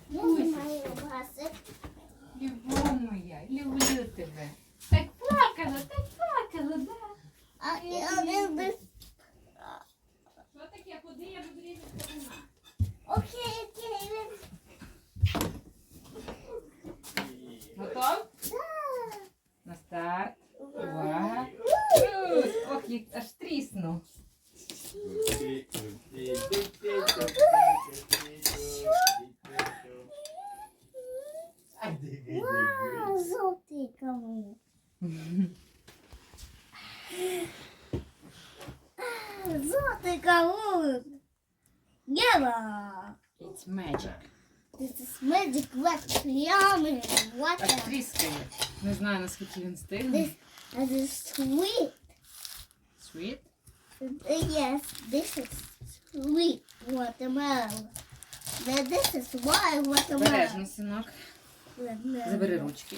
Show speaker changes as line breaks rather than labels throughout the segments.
Я знімаю басик.
Любов моя, люблю тебе. Так плакала, да?
А я не без...
Що таке? Куди я вибрізу сторона?
Окей.
Готов?
Да.
На старт. Увага. Ох, як аж тріснув.
Вау, жовтий кавун. Золотий кавун. Yellow.
It's magic.
This is magic wet yummy
Аж
water.
тріскає. Не знаю, наскільки він стигне.
This is sweet.
Sweet?
Yes, this is sweet watermelon. Then this is wild watermelon.
Бережно, синок. Забери ручки.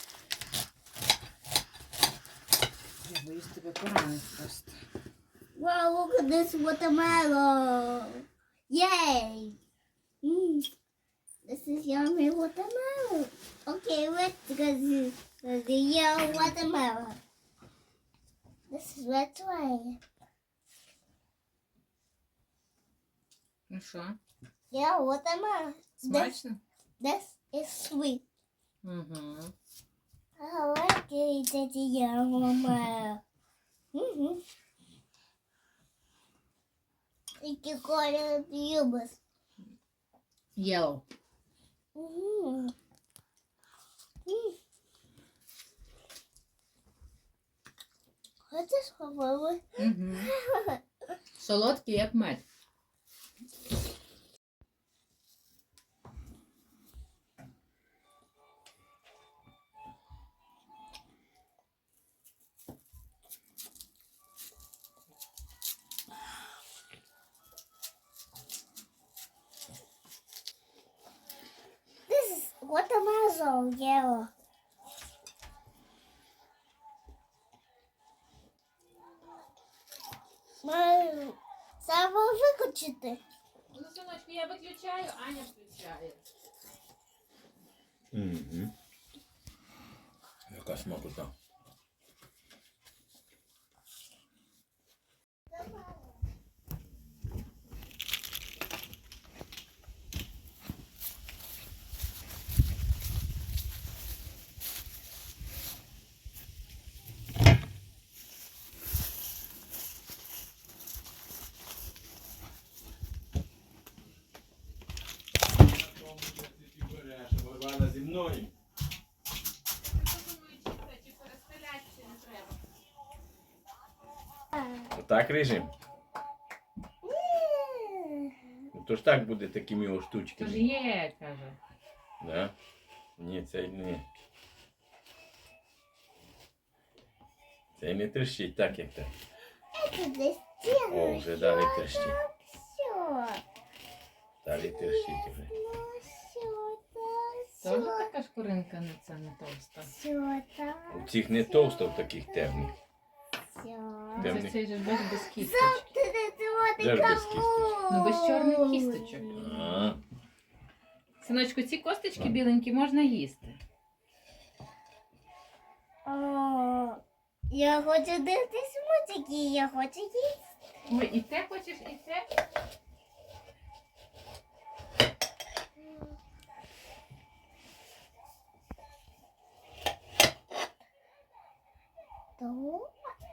Я боюсь тебе поранити просто.
Wow, look at this watermelon. Yay. This is yummy watermelon. Okay, let's go to the yellow watermelon. This is red one.
Ну що,
Yeah, watermelon.
смачно?
This is sweet.
Угу.
I like it, the yellow watermelon. Які кольори ти любиш?
Yellow.
Хочеш попробуй?
Угу. Солодкий, як мед.
This is watermelon yellow. Саме виключити.
Ну, синочку, я виключаю, Аня включає.
Угу. Яка смакота. Вона зі мною. Отак режим. Ну, то ж так буде такими о
Тож
штучками.
є, каже.
Да? Ні, це не. Це не трещить так, як так.
Це десь стіна.
О, вже далі трещить.
Все.
Далі трещить вже.
Тоже така шкуринка не товста.
Все так.
У цих не товсто, в таких темних.
Все.
Де
Це
вони?
цей же без кісточки.
Де ж без кісточок?
Ну без чорних кісточок.
А,
Синочку, ці косточки біленькі можна їсти.
О, я хочу дивитись мультики, я хочу їсти.
Ой, і те хочеш, і те?
То?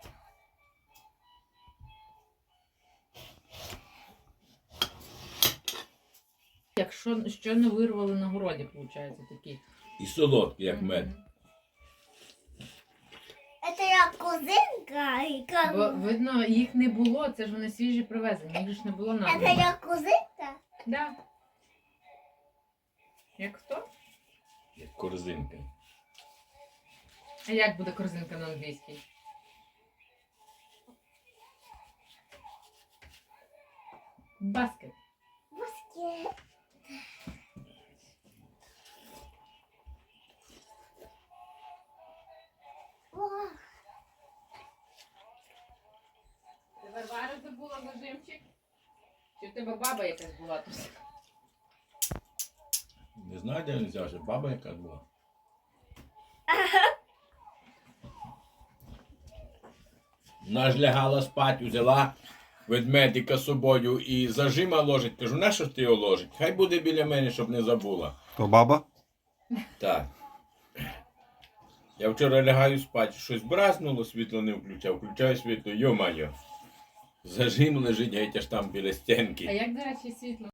Якщо що не вирвали на городі, виходить, такі.
і солодкий, як мед.
Це як кузинка і
Бо,
кавун.
видно, їх не було, це ж вони свіжі привезені, їх ж не було на.
Це як кузинка?
Да. Як хто?
Як корзинка.
А як буде корзинка на англійській? Баскет.
Баскет. Вау.
Ти Варвара забула зажимчик? Чи в тебе баба якась була тут?
Не знаю, де він взявся, баба яка була. Вона ж лягала спать, взяла ведмедика з собою і зажима ложить. Кажу, нащо ж ти його ложить? Хай буде біля мене, щоб не забула.
То баба?
Так. Я вчора лягаю спати, щось бразнуло, світло не включав, включаю світло, йо-майо. Зажим лежить геть аж там біля
А
стінки.
як, до речі, світло